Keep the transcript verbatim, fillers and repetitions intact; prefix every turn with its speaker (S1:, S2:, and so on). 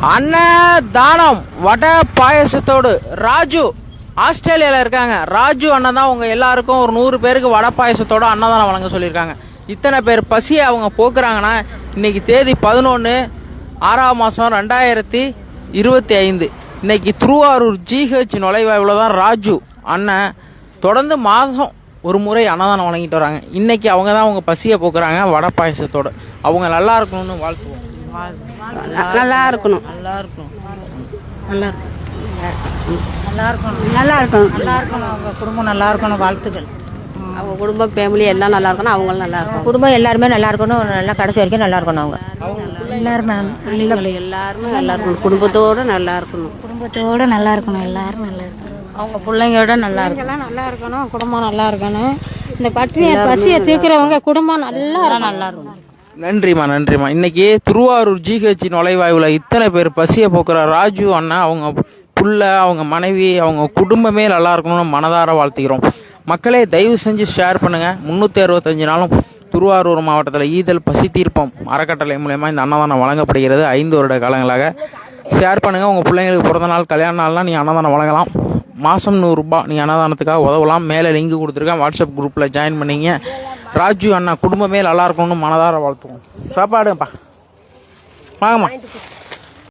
S1: அண்ணன் தானம் வடை பாயசத்தோடு ராஜு ஆஸ்திரேலியாவில் இருக்காங்க. ராஜு அண்ணன் தான் உங்கள் எல்லாருக்கும் ஒரு நூறு பேருக்கு வடை பாயசத்தோடு அன்னதானம் வழங்க சொல்லியிருக்காங்க. இத்தனை பேர் பசியை அவங்க போக்குறாங்கன்னா இன்னைக்கு தேதி பதினொன்று ஆறாம் மாதம் ரெண்டாயிரத்தி இருபத்தி ஐந்து இன்னைக்கு திருவாரூர் ஜிஹெச் நுழைவாயில் தான் ராஜு அண்ணன் தொடர்ந்து மாதம் ஒரு முறை அன்னதானம் வழங்கிட்டு வராங்க. இன்னைக்கு அவங்க தான் அவங்க பசியை போக்குறாங்க வடை பாயசத்தோடு. அவங்க நல்லா இருக்கணும்னு வாழ்த்துவோம்.
S2: நல்லா இருக்கணும்
S3: நல்லா இருக்கணும்
S2: நல்லா
S3: நல்லா இருக்கணும்
S2: நல்லா இருக்கணும்
S3: நல்லா இருக்கணும் அவங்க குடும்பம் நல்லா இருக்கணும். வாழ்த்துக்கள்.
S2: அவங்க குடும்பம் ஃபேமிலி எல்லாம் நல்லா இருக்கணும். அவங்களும் நல்லா இருக்கணும்.
S4: குடும்பம் எல்லாருமே நல்லா இருக்கணும். நல்லா கடைசி வரைக்கும் நல்லா இருக்கணும். அவங்க
S2: எல்லாரும் பிள்ளைகள் எல்லாருமே நல்லா இருக்கணும். குடும்பத்தோடு நல்லா இருக்கணும்.
S5: குடும்பத்தோடு நல்லா இருக்கணும். எல்லாரும் நல்லா இருக்கணும்.
S3: அவங்க பிள்ளைங்களோட நல்லா இருக்கணும்.
S5: நல்லா இருக்கணும். குடும்பம் நல்லா இருக்கணும். இந்த பட்டினியை பசியை தீர்க்கிறவங்க குடும்பம் நல்லா நல்லா இருக்கணும்.
S1: நன்றிம்மா நன்றிம்மா. இன்னைக்கு திருவாரூர் ஜிஹெச் நுழைவாயுவில் இத்தனை பேர் பசியை போக்குற ராஜு அண்ணா அவங்க புள்ள அவங்க மனைவி அவங்க குடும்பமே நல்லா இருக்கணும்னு மனதார வாழ்த்துக்கிறோம். மக்களே தயவு செஞ்சு ஷேர் பண்ணுங்கள். முந்நூற்றி அறுபத்தஞ்சு நாளும் திருவாரூர் மாவட்டத்தில் ஈதல் பசி தீர்ப்பம் அறக்கட்டளை மூலயமா இந்த அன்னதானம் வழங்கப்படுகிறது. ஐந்து வருட காலங்களாக ஷேர் பண்ணுங்கள். உங்கள் பிள்ளைங்களுக்கு பிறந்த நாள் கல்யாண நாள்லாம் நீங்கள் அன்னதானம் வழங்கலாம். மாதம் நூறுரூபா நீங்கள் அன்னதானத்துக்காக உதவலாம். மேலே லிங்க் கொடுத்துருக்கேன். வாட்ஸ்அப் குரூப்பில் ஜாயின் பண்ணிங்க. ராஜு அண்ணா குடும்பமே நல்லா இருக்கணும்னு மனதார வாழ்த்துவோம். சாப்பாடுப்பா வாங்கம்மா.